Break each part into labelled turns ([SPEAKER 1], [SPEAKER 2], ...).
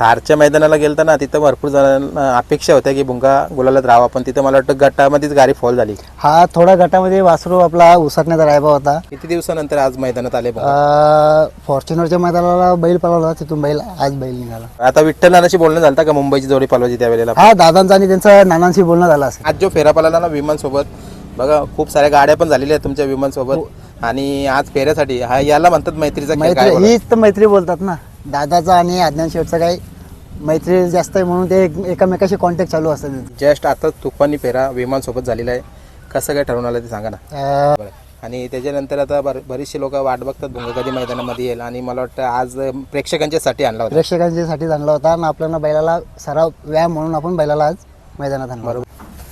[SPEAKER 1] थारच्या मैदानाला गेलता ना, तिथं भरपूर जणांना अपेक्षा होत्या की भुंगा गुलालात राहावा, पण तिथं मला वाटतं गटामध्येच गाडी फॉल झाली.
[SPEAKER 2] हा थोडा गटामध्ये वासरू आपला उसरण्याचा रायबा होता.
[SPEAKER 1] किती दिवसानंतर आज मैदानात आले भुंगा?
[SPEAKER 2] फॉर्च्युनरच्या मैदानाला बैल पळवला, तिथून बैल आज बैल निघाला.
[SPEAKER 1] आता विठ्ठल नानाशी बोलणं झालं का मुंबईची जोडी पळवायची त्यावेळेला?
[SPEAKER 2] हा दादांचा आणि त्यांचा नानांशी बोलणं झालं असेल.
[SPEAKER 1] आज जो फेरा पळाला ना विमान सोबत, बघा खूप साऱ्या गाड्या पण झालेल्या आहेत तुमच्या विमान सोबत, आणि आज फेऱ्यासाठी हा याला म्हणतात मैत्रीचा खेळ. काय बोलाल?
[SPEAKER 2] हीच तर मैत्री बोलतात ना. दादाचा आणि अज्ञान शेठचा काही मैत्री जास्त आहे म्हणून ते एकमेकाशी कॉन्टॅक्ट चालू असतात.
[SPEAKER 1] जस्ट आता तुफानी फेरा विमान सोबत झालेला आहे, कसं काय ठरवून आलं ते सांगा ना. आणि त्याच्यानंतर आता बरीचशी लोक वाट बघतात भुंगा कधी मैदानामध्ये येईल, आणि मला वाटतं आज प्रेक्षकांच्यासाठी आणला होता.
[SPEAKER 2] प्रेक्षकांच्यासाठी आणला होता आणि आपल्याला बैलाला सराव व्यायाम म्हणून आपण बैलाला आज मैदानात आणलं.
[SPEAKER 1] बरोबर.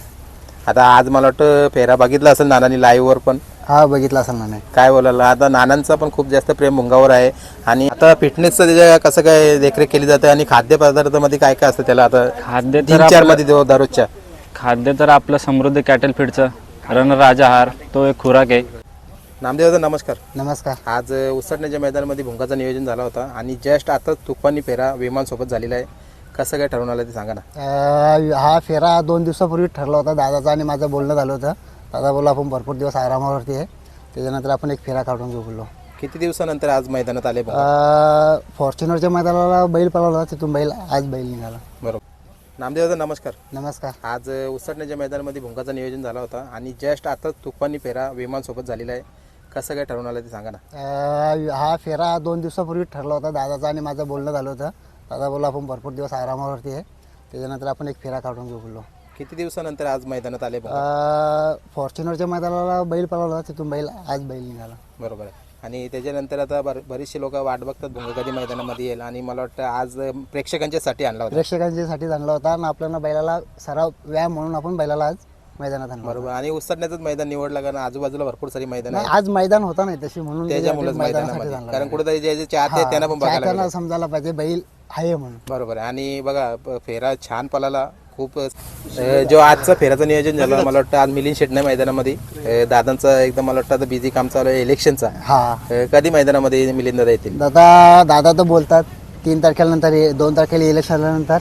[SPEAKER 1] आता आज मला वाटतं फेरा बघितला असेल नानांनी लाईव्ह वर पण.
[SPEAKER 2] हा बघितला असेल ना.
[SPEAKER 1] काय बोलायला, आता नानांचा पण खूप जास्त प्रेम भुंगावर आहे, आणि आता फिटनेसचं त्याच्या कसं काय देखरेख केली जाते, आणि खाद्यपदार्थामध्ये काय काय असतं त्याला आता
[SPEAKER 3] खाद्य
[SPEAKER 1] दिनचर्या मध्ये दररोजच्या?
[SPEAKER 3] खाद्य तर आपलं समृद्ध कॅटल फीडचं रणराज आहार तो एक खुराक आहे.
[SPEAKER 1] नामदेवदा नमस्कार.
[SPEAKER 2] नमस्कार.
[SPEAKER 1] आज उसरण्याच्या मैदानामध्ये भुंगाचं नियोजन झाला होता, आणि जस्ट आता तुफानी फेरा विमान सोबत झालेला आहे, कसं काय ठरवून आलं ते सांगा ना.
[SPEAKER 2] हा फेरा 2 दिवसापूर्वी ठरला होता. दादाचा आणि माझं बोलणं झालं होतं. दादा बोलला आपण भरपूर दिवस आरामावरती आहे, त्याच्यानंतर आपण एक फेरा काढून घेऊ बोललो.
[SPEAKER 1] किती दिवसानंतर आज मैदानात आले?
[SPEAKER 2] फॉर्च्युनरच्या मैदानाला बैल पळवला, तिथून बैल आज बैल निघाला.
[SPEAKER 1] बरोबर. नामदेवदा नमस्कार.
[SPEAKER 2] नमस्कार.
[SPEAKER 1] आज उसरण्याच्या मैदानामध्ये भुंगाचं नियोजन झाला होता, आणि जस्ट आता तुफानी फेरा विमान सोबत झालेला आहे, कसं काय ठरवून आलं ते सांगा ना.
[SPEAKER 2] हा फेरा 2 दिवसापूर्वी ठरला होता. दादाचा आणि माझं बोलणं झालं होतं. दादा बोलला आपण भरपूर दिवस आरामावरती आहे, त्याच्यानंतर आपण एक फेरा काढून घेऊ बोललो.
[SPEAKER 1] किती दिवसानंतर आज मैदानात आले?
[SPEAKER 2] फॉर्च्युनरच्या मैदानाला बैल पळवला, तिथून बैल आज बैल निघाला.
[SPEAKER 1] बरोबर आहे. आणि त्याच्यानंतर आता बरीचशी लोक वाट बघतात भुंगा कधी मैदानामध्ये येईल, आणि मला वाटतं आज प्रेक्षकांच्यासाठी आणला होता.
[SPEAKER 2] प्रेक्षकांच्यासाठी आणला होता आणि आपल्याला बैलाला सराव व्यायाम म्हणून आपण बैलाला आज मैदानात आणलं.
[SPEAKER 1] बरोबर. आणि उसरण्याचंच मैदान निवडलं, कारण आजूबाजूला भरपूर सारी मैदान
[SPEAKER 2] नाही, आज मैदान होता नाही तशी, म्हणून
[SPEAKER 1] त्याच्यामुळेच मैदानामध्ये, कारण कुठेतरी जे चाहते आहेत त्यांना पण बघायला
[SPEAKER 2] त्यांना समजायला पाहिजे बैल आहे म्हणून.
[SPEAKER 1] बरोबर आहे. आणि बघा फेरा छान पळाला खूप. जो आजचा फेराचं नियोजन झालं, मला वाटतं आज मिलिंद शेटणे मैदानामध्ये, दादांचं एकदम मला वाटतं आता बिझी काम चालू आहे इलेक्शनचा.
[SPEAKER 2] हा
[SPEAKER 1] कधी मैदानामध्ये मिलिंद दादा येतील?
[SPEAKER 2] दादा तर बोलतात 3 तारखेनंतर 2 तारखेला इलेक्शन आल्यानंतर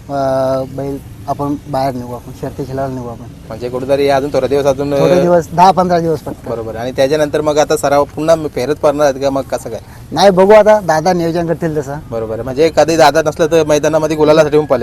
[SPEAKER 2] बैल आपण बाहेर निघू, आपण शर्ती खेळायला निघू आपण.
[SPEAKER 1] म्हणजे कुठेतरी अजून थोडे दिवस
[SPEAKER 2] 10-15 दिवस फक्त.
[SPEAKER 1] बरोबर. आणि त्याच्यानंतर मग आता सराव पुन्हा फेरत पडणार आहेत का, मग कसं काय?
[SPEAKER 2] नाही, बघू आता दादा नियोजन करतील तसं.
[SPEAKER 1] बरोबर आहे. म्हणजे कधी दादा नसलं तर मैदानामध्ये गुलालासाठी पण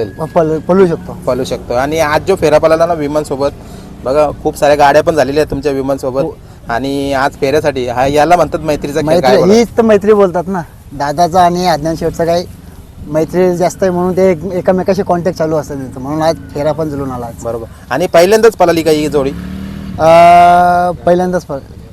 [SPEAKER 1] पळू शकतो. आणि आज जो फेरा पळाला ना विमान सोबत, बघा खूप साऱ्या गाड्या पण झालेल्या आहेत तुमच्या विमान सोबत, आणि आज फेऱ्यासाठी हा याला म्हणतात मैत्रीचा खेळ. काय बोलाल?
[SPEAKER 2] हीच तर मैत्री बोलतात ना. दादाचा आणि अज्ञान शेठचा काही मैत्री जास्त आहे म्हणून ते एकमेकाशी कॉन्टॅक्ट चालू असतात, म्हणून आज फेरा पण जुळून आला.
[SPEAKER 1] बरोबर. आणि पहिल्यांदाच पळाली का ही जोडी?
[SPEAKER 2] पहिल्यांदाच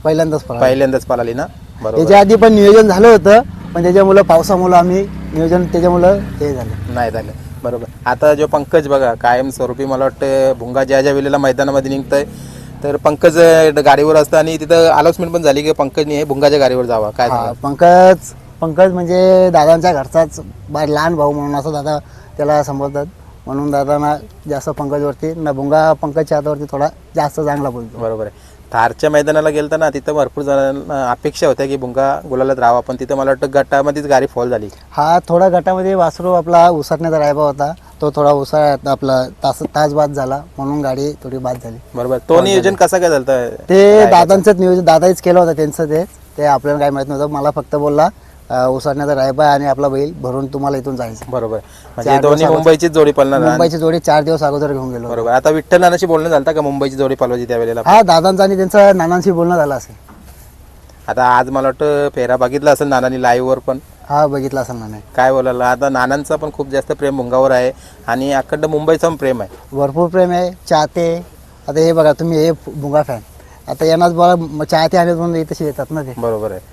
[SPEAKER 1] पळाली ना. बरोबर.
[SPEAKER 2] त्याच्या आधी पण नियोजन झालं होतं, पण त्याच्यामुळं पावसामुळं आम्ही नियोजन त्याच्यामुळं हे झालं
[SPEAKER 1] नाही झालं. बरोबर. आता जो पंकज बघा कायम स्वरूपी मला वाटतं भुंगा ज्या वेळेला मैदानामध्ये निघतंय, तर पंकज गाडीवर असतं, आणि तिथं अनाउन्समेंट पण झाली की पंकजने हे भुंगाच्या गाडीवर जावा. काय
[SPEAKER 2] पंकज म्हणजे दादांच्या घरचाच लहान भाऊ म्हणून असं दादा त्याला संबोधतात, म्हणून दादांना जास्त पंकजवरती ना भुंगा पंकजच्या हातावरती थोडा जास्त चांगला बोलतो.
[SPEAKER 1] बरोबर आहे. थारच्या मैदानाला गेलता ना, तिथं भरपूर जणांना अपेक्षा होत्या की भुंगा गुलालात राहावा, पण तिथं मला वाटतं गटामध्येच गाडी फॉल झाली.
[SPEAKER 2] हा थोडा गटामध्ये वासरू आपला उसरण्याचा रायबा होता, तो थोडा आपला तास बाद झाला, म्हणून गाडी थोडी बाद झाली.
[SPEAKER 1] बरोबर. तो नियोजन कसा काय झालं?
[SPEAKER 2] ते दादांचंच नियोजन, दादाच केलं होतं त्यांचं. ते आपल्याला काय माहित नव्हतं. मला फक्त बोलला उसरण्याचा रायबा आणि आपला बैल भरून तुम्हाला इथून जायचं.
[SPEAKER 1] बरोबर. म्हणजे दोन्ही मुंबईचीच जोडी पळणार.
[SPEAKER 2] मुंबईची जोडी 4 दिवस अगोदर घेऊन गेलो.
[SPEAKER 1] बरोबर. आता विठ्ठल नानाशी बोलणं झालं का मुंबईची जोडी पळवायची त्यावेळेला?
[SPEAKER 2] हा दादांचा आणि त्यांचा नानांशी बोलणं झालं असेल.
[SPEAKER 1] आता आज मला वाटतं फेरा बघितला असेल नानांनी लाईव्ह वर पण.
[SPEAKER 2] हा बघितला असेल नाना.
[SPEAKER 1] काय बोलायला, आता नानांचा पण खूप जास्त प्रेम भुंगावर आहे, आणि अखंड मुंबईचं पण प्रेम आहे,
[SPEAKER 2] भरपूर प्रेम आहे. चाहते आता हे बघा तुम्ही, हे भुंगा फॅन आता यांनाच बघा चाहते आले म्हणून तसे येतात ना ते.
[SPEAKER 1] बरोबर आहे.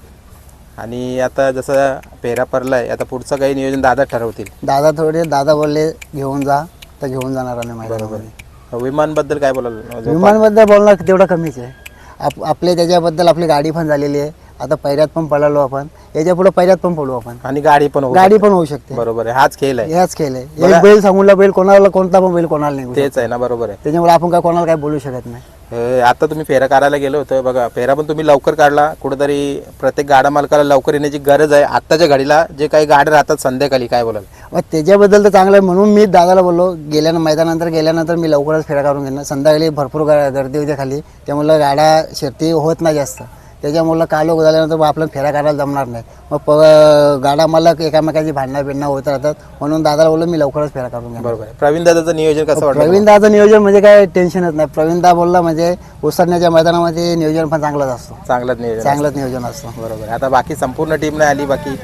[SPEAKER 1] आणि आता जसं फेरा पडलाय, आता पुढचं काही नियोजन दादा ठरवतील.
[SPEAKER 2] दादा बोलले घेऊन जा, तर घेऊन जाणार नाही.
[SPEAKER 1] बरोबर. विमानबद्दल काय बोलाल?
[SPEAKER 2] विमानबद्दल बोलणं तेवढं कमीच आहे. आपले त्याच्याबद्दल आपली गाडी पण झालेली आहे. आता पैऱ्यात पण पळालो आपण, याच्या पुढे पैऱ्यात पण पडू आपण,
[SPEAKER 1] आणि गाडी पण
[SPEAKER 2] होऊ शकते.
[SPEAKER 1] बरोबर आहे. हाच खेळ आहे.
[SPEAKER 2] एक बैल सांगूला बैल कोणाला, कोणता पण बैल कोणाला नाही.
[SPEAKER 1] तेच आहे ना. बरोबर आहे.
[SPEAKER 2] त्याच्यामुळे आपण काय कोणाला काय बोलू शकत नाही.
[SPEAKER 1] आता तुम्ही फेरा काढायला गेलो होतं बघा, फेरा पण तुम्ही लवकर काढला. कुठेतरी प्रत्येक गाडा मालकाला लवकर येण्याची गरज आहे आत्ताच्या घडीला. जे काही गाड्या राहतात संध्याकाळी, काय बोलाल?
[SPEAKER 2] मग त्याच्याबद्दल तर चांगलं आहे, म्हणून मी दादाला बोललो मैदानानंतर गेल्यानंतर मी लवकरच फेरा काढून घेणार. संध्याकाळी भरपूर गर्दी होते खाली, त्यामुळे गाड्या शर्ती होत नाही जास्त. त्याच्यामुळं कालो झाल्यानंतर मग आपल्याला फेरा काढायला जमणार नाही. मग गाडा मालक एकामेकाची भांडणं बिंडणं होत राहतात, म्हणून दादाला बोललो मी लवकरच फेरा काढून घेणार.
[SPEAKER 1] बरोबर आहे. प्रवीण दादाचं नियोजन कसं वाटतं?
[SPEAKER 2] प्रवीण दादाचं नियोजन म्हणजे काय टेन्शनच नाही. प्रवीण दा बोलला म्हणजे उसरण्याच्या मैदानामध्ये नियोजन पण चांगलंच असतो,
[SPEAKER 1] चांगलंच नियोजन.
[SPEAKER 2] चांगलंच नियोजन असतं.
[SPEAKER 1] बरोबर आहे. आता बाकी संपूर्ण टीम नाही आली बाकी?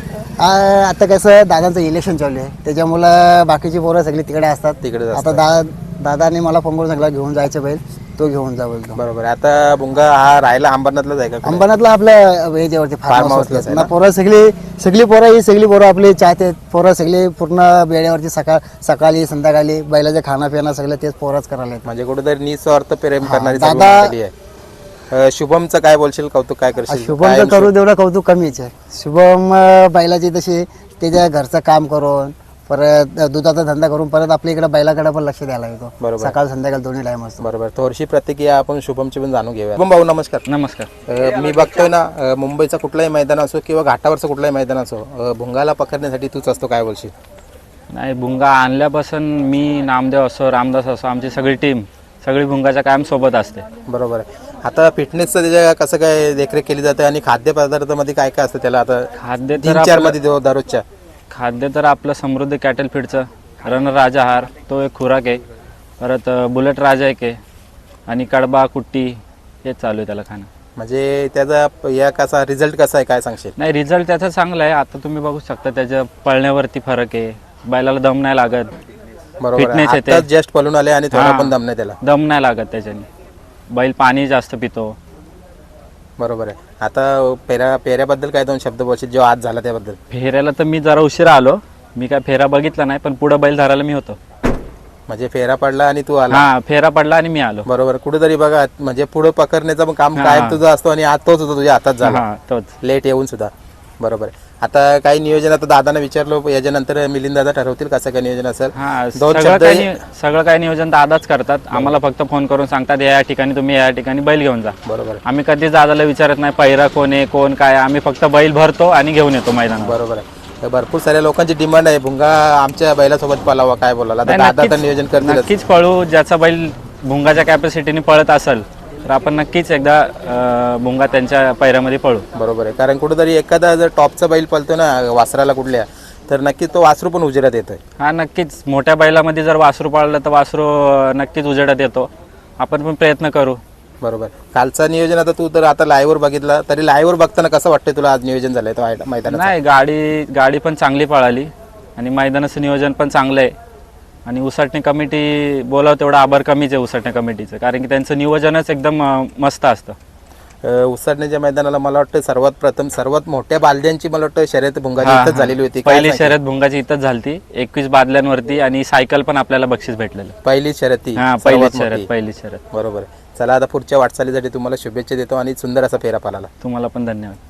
[SPEAKER 2] आता कसं दादांचं इलेक्शन चालू आहे, त्याच्यामुळं बाकीची पोरं सगळी तिकडे असतात.
[SPEAKER 1] तिकडेच
[SPEAKER 2] आता दादाने मला फोन करून सांगितलं घेऊन जायचं बैल, तो घेऊन जा बोलतो.
[SPEAKER 1] बरोबर आहे. आता भुंगा हा राहायला अंबरनाथलाच आहे का?
[SPEAKER 2] अंबरनाथला आपल्या याच्यावरती फार्म
[SPEAKER 1] हाऊसलाच आहे ना?
[SPEAKER 2] पोरं सगळी पोरं आपली चाहते. पोरं सगळी पूर्ण वेळेवरती सकाळी संध्याकाळी बैलाचे खाणं पिणं सगळं तेच पोरच करायला येतात.
[SPEAKER 1] म्हणजे कुठेतरी निस्वार्थ प्रेम करणारी सर्व
[SPEAKER 2] दादा-
[SPEAKER 1] मंडळी आहे. शुभमचं काय बोलशील? कौतुक काय करशील?
[SPEAKER 2] शुभम तर करू तेवढं कौतुक कमीच आहे. शुभम बैलाची तशी त्याच्या घरचं काम करून परत दुधाचा धंदा करून परत आपल्या इकडे बैलाकडे पण लक्ष द्यायला येतो.
[SPEAKER 1] बरोबर.
[SPEAKER 2] सकाळ संध्याकाळ दोन्ही टाइम असतो.
[SPEAKER 1] बरोबर. थोडीशी प्रतिक्रिया आपण शुभमची पण जाणून घेऊया. शुभम भाऊ नमस्कार.
[SPEAKER 3] नमस्कार.
[SPEAKER 1] मी बघतोय ना, मुंबईचा कुठलाही मैदान असो किंवा घाटावरचं कुठलाही मैदान असो, भुंगाला पकडण्यासाठी तूच असतो, काय बोलशील?
[SPEAKER 3] नाही, भुंगा आणल्यापासून मी, नामदेव असो, रामदास असो, आमची सगळी टीम सगळी भुंगाच्या कायम सोबत असते.
[SPEAKER 1] बरोबर आहे. आता फिटनेसचं त्याच्या कसं काय देखरेख केली जाते आणि खाद्यपदार्थामध्ये काय काय असतं त्याला? आता
[SPEAKER 3] खाद्य तर
[SPEAKER 1] 3-4
[SPEAKER 3] आपलं-
[SPEAKER 1] मध्ये दररोजच्या
[SPEAKER 3] खाद्य तर आपलं समृद्धी कॅटल फीडचं रणराज आहार, तो एक खुराक आहे. परत बुलेट राजा एक आहे आणि कडबा कुट्टी हे चालू आहे त्याला खाणं.
[SPEAKER 1] म्हणजे त्याचा या कसा रिझल्ट कसा आहे, काय सांगशील?
[SPEAKER 3] नाही, रिझल्ट त्याचा चांगला आहे. आता तुम्ही बघू शकता त्याच्या पळण्यावरती फरक आहे, बैलाला दम नाही लागत,
[SPEAKER 1] बरोबर
[SPEAKER 3] फिटनेस
[SPEAKER 1] आहे.
[SPEAKER 3] येते.
[SPEAKER 1] आत्ताच जस्ट पळून आले आणि थोडा
[SPEAKER 3] हा.
[SPEAKER 1] पण दम नाही त्याला.
[SPEAKER 3] दम नाही लागत त्याच्याने. बैल पाणी जास्त पितो.
[SPEAKER 1] बरोबर आहे. आता पेऱ्याबद्दल काय 2 शब्द बोलशील जो आज झाला त्याबद्दल?
[SPEAKER 3] फेऱ्याला तर मी जरा उशिरा आलो, मी काय फेरा बघितला नाही, पण पुढे बैल धरायला मी होतो.
[SPEAKER 1] म्हणजे फेरा पडला आणि तू आला.
[SPEAKER 3] हा, फेरा पडला आणि मी आलो.
[SPEAKER 1] बरोबर. कुठेतरी बघा, म्हणजे पुढे पकडण्याचं पण काम
[SPEAKER 3] हा.
[SPEAKER 1] कायम तुझं असतो आणि आज तोच होता तुझ्या हातात झाला,
[SPEAKER 3] हा, तोच.
[SPEAKER 1] लेट येऊन सुद्धा. बरोबर आहे. आता काही नियोजन आता दादाने विचारलो, याच्यानंतर मिलिंद दादा ठरवतील कसं काय नियोजन असेल.
[SPEAKER 3] हा,
[SPEAKER 1] 2
[SPEAKER 3] सगळं
[SPEAKER 1] शब्द
[SPEAKER 3] सगळं काही नियोजन दादाच करतात. आम्हाला फक्त फोन करून सांगतात या ठिकाणी तुम्ही या ठिकाणी बैल घेऊन जा.
[SPEAKER 1] बरोबर आहे.
[SPEAKER 3] आम्ही कधीच दादाला विचारत नाही पहिरा कोण आहे कोण काय, आम्ही फक्त बैल भरतो आणि घेऊन येतो मैदानावर.
[SPEAKER 1] बरोबर आहे. तर भरपूर साऱ्या लोकांची डिमांड आहे भुंगा आमच्या बैलासोबत पळावा, काय बोलायला? आता
[SPEAKER 3] नाही,
[SPEAKER 1] दादा तर नियोजन करतील.
[SPEAKER 3] नक्कीच पळू. ज्याचा बैल भुंगाच्या कॅपॅसिटीने पळत असेल तर आपण नक्कीच एकदा भुंगा त्यांच्या पैऱ्यामध्ये पळू.
[SPEAKER 1] बरोबर आहे. कारण कुठेतरी एखादा जर टॉपचा बैल पळतो ना वासराला कुठल्या, तर नक्कीच तो वासरू पण उजेडात येतोय.
[SPEAKER 3] हा, नक्कीच. मोठ्या बैलामध्ये जर वासरू पळलं तर वासरू नक्कीच उजेडात येतो. आपण पण प्रयत्न करू.
[SPEAKER 1] बरोबर. कालचं नियोजन आता तू तर आता लाईव्हवर बघितलं, तरी लाईव्हवर बघताना कसं वाटतंय तुला आज नियोजन झालंय तो मैदानात?
[SPEAKER 3] नाही, गाडी पण चांगली पळाली आणि मैदानाचं नियोजन पण चांगलं आहे. आणि उसाटणी कमिटी बोलावं तेवढं आभार कमीच आहे उसाटणी कमिटीचं, कारण की त्यांचं नियोजनच एकदम मस्त असतं.
[SPEAKER 1] उसाटण्याच्या मैदानाला मला वाटतं सर्वात मोठ्या बालद्यांची मला वाटतं शर्यत भुंगाची
[SPEAKER 3] हा,
[SPEAKER 1] इथंच
[SPEAKER 3] हा.
[SPEAKER 1] झालेली होती. काय
[SPEAKER 3] पहिली
[SPEAKER 1] सांगशील?
[SPEAKER 3] शर्यत भुंगाची इथंच झालती, 21 बादल्यांवरती, आणि सायकल पण आपल्याला बक्षीस भेटलेलं.
[SPEAKER 1] पहिली शर्यत ती
[SPEAKER 3] हा,
[SPEAKER 1] सर्वात
[SPEAKER 3] पहिली
[SPEAKER 1] मोठी.
[SPEAKER 3] शर्यत.
[SPEAKER 1] बरोबर आहे. चला, आता पुढच्या वाटचालीसाठी तुम्हाला शुभेच्छा देतो आणि सुंदर असा फेरा पालाला.
[SPEAKER 3] तुम्हाला पण धन्यवाद.